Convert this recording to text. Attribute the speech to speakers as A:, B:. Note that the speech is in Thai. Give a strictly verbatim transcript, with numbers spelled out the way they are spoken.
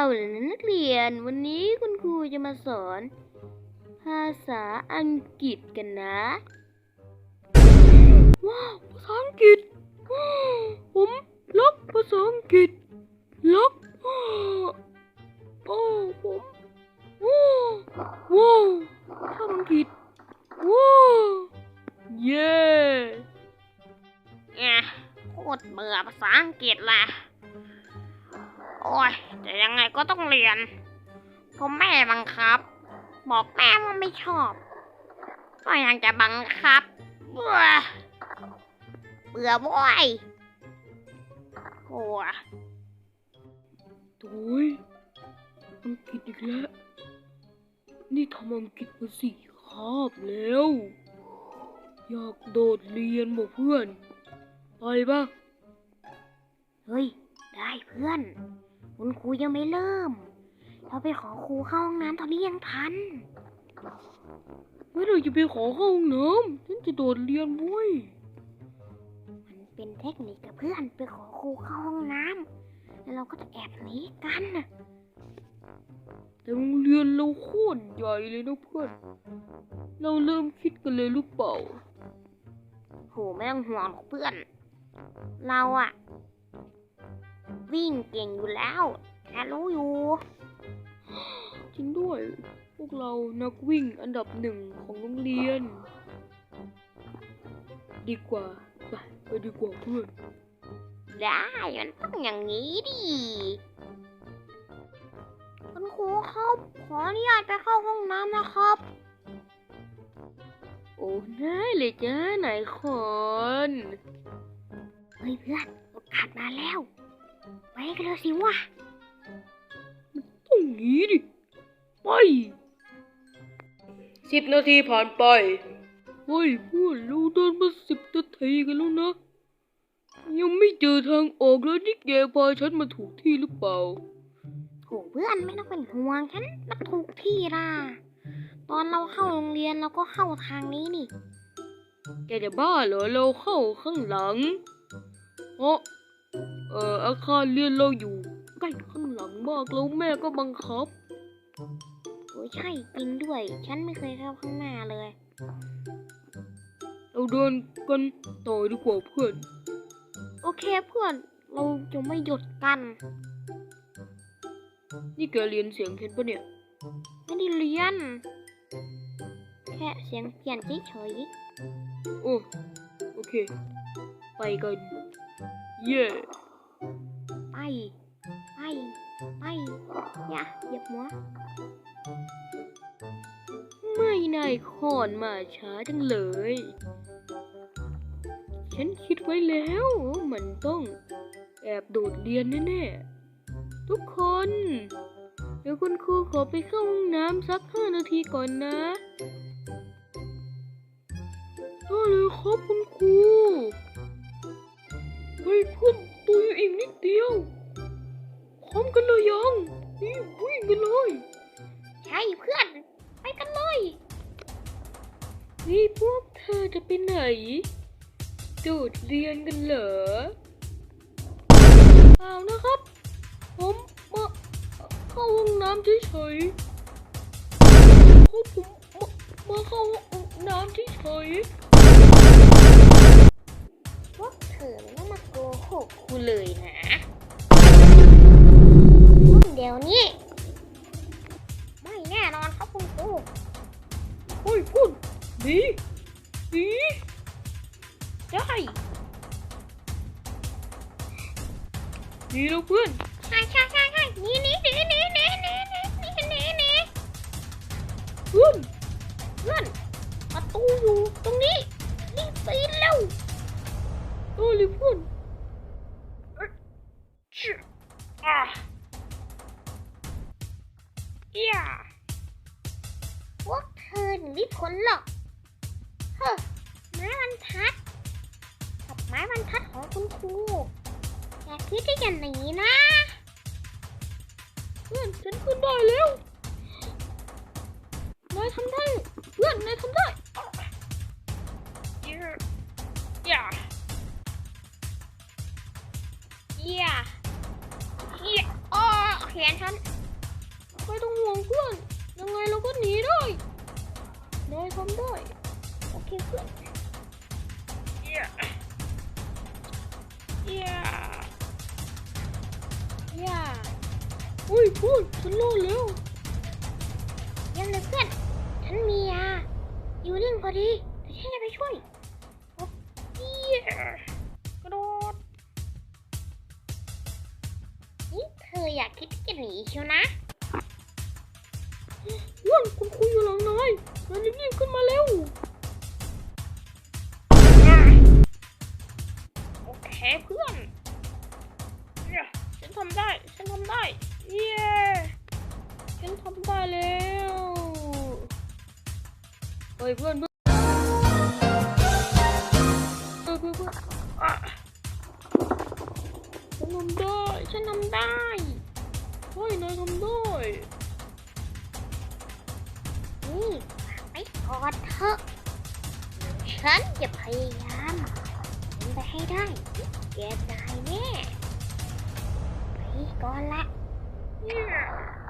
A: เลยนะนักเรียนวันนี้คุณครูจะมาสอนภาษาอังกฤษกันนะว้าวภาษาอังกฤษผมรักภาษาอังกฤษรักโอ้ผมว้าวว้าวชอบอังกฤษว้าวเย้เนี่ยโคตรเบื่อภาษาอังกฤษละโอ้ยแต่ยังไงก็ต้องเรียนเพราะแม่บังคับบอกแม่ว่าไม่ชอบก็ยังจะบังคับเบื่อเบื่อบ่อยโอ้ยโอ้ยอังกฤษอีกแล้วนี่ทำอังกฤษมาสี่คาบแล้วอยากโดดเรียนบอกเพื่อนไปปะเฮ้ยได้เพื่อนคุณครูยังไม่เริ่มเราไปขอครูเข้าห้องน้ำตอนนี้ยังทันไม่เราจะไปขอเข้าห้องน้ำฉันจะโดดเรียนบุ้ยมันเป็นเทคนิคกับเพื่อนไปขอครูเข้าห้องน้ำแล้วเราก็จะแอบหนีกันนะแต่โรงเรียนเราโคตรใหญ่เลยนะเพื่อนเราเริ่มคิดกันเลยหรือเปล่าโหไม่ต้องห่วงหรอกเพื่อนเราอะวิ่งเก่งอยู่แล้วแค่รู้อยู่จริงด้วยพวกเรานักวิ่งอันดับหนึ่งของโรงเรียนดีกว่าไปไปดีกว่าเพื่อนได้มันต้องอย่างนี้ดิคุณครูครับขออนุญาตไปเข้าห้องน้ำนะครับโอ้ได้เลยจ้าไหนคนเฮ้ยเพื่อนโอกาสมาแล้วไปกันเลยสิวะมันต้องงี้ดิไปสิบนาทีผ่านไปเฮ้ยเพื่อนเราเดินมาสิบนาทีกันแล้วนะยังไม่เจอทางออกเลยนี่แกพาฉันมาถูกที่หรือเปล่าโถเพื่อนไม่ต้องเป็นห่วงฉันมาถูกที่ล่ะตอนเราเข้าโรงเรียนเราก็เข้าทางนี้นี่แกจะบ้าเหรอเราเข้าข้างหลังเพราะเอ่ออาคารเรียนเราอยู่ใกล้ข้างหลังมากแล้วแม่ก็บังคับโอ้ยใช่จริงด้วยฉันไม่เคยเข้าข้างหน้าเลยเราเดินกันต่อดีกว่าเพื่อนโอเคเพื่อนเราจะไม่หยุดกันนี่แกเรียนเสียงเพชรปะเนี่ยไม่ได้เรียนแค่เสียงเปลี่ยนเฉยๆโอ้โอเคไปกันเย่ไปไปไปอย่าเหยียบหัวไม่นายขอนมาช้าจังเลยฉันคิดไว้แล้วมันต้องแอบโดดเรียนแน่ๆทุกคนเดี๋ยวคุณครูขอไปเข้าห้องน้ำสักห้านาทีก่อนนะได้เลยครับคุณครูเฮ้ยเพื่อนตัวอยู่อีกนิดเดียวพร้อมกันเลยยังนี่วิ่งกันเลยใช่เพื่อนไปกันเลยนี่พวกเธอจะไปไหนโดดเรียนกันเหรอเปล่านะครับผมมาเข้าห้องน้ำเฉยๆเขาผมมามาเข้าห้องน้ำเฉยๆพวกเธอไม่ต้องมาโกหกกูเลยนะเดี๋ยวนี้ไม่แน่นอนครับคุณครูเฮ้ยคุณดีดีได้ดีแล้วเพื่อนใช่ใช่ใช่ใช่นี่นี่นี่นี่นี่นี่นี่นี่นี่เพื่อนเพื่อนประตูอยู่ตรงนี้รีบปีนเร็วโอ้ยเพื่อนอ่ะอย่าพวกเธอหนีพ้นหรอกเฮ้อไม้บรรทัดกับไม้บรรทัดของคุณครูอย่าคิดที่จะหนีนะเพื่อนฉันขึ้นได้แล้วนายทำได้เพื่อนนายทำได้อย่าอย่าอย่าอย่าอ๋อแขนฉันไม่ต้องห่วงเพื่อนยังไงเราก็หนีได้นายทำได้โอเคเพื่อนเย้เย้เย้อุ้ยพูดฉันรอดแล้วเยี่ยมเลยเพื่อนฉันมียาอยู่นิ่งพอดีเดี๋ยวฉันจะไปช่วยโอ้ยกระโดดนี่เธออยากคิดที่จะหนีเชียวนะอ้วนคุณคุยอยู่หลังนายนายรีบๆขึ้นมาเร็วโอเคเพื่อนเนี่ยฉันทำได้ฉันทำได้เย้ฉันทำได้แล้วเฮ้ยเพื่อนเพื่อนเพื่อนเพื่อนเพื่อนอ่ะฉันทำได้ฉันทำได้เฮ้ยนายทำได้นี่ไปกอดเถอะฉันจะพยายามเป็นไปให้ได้แกตายแน่ไปก่อนละ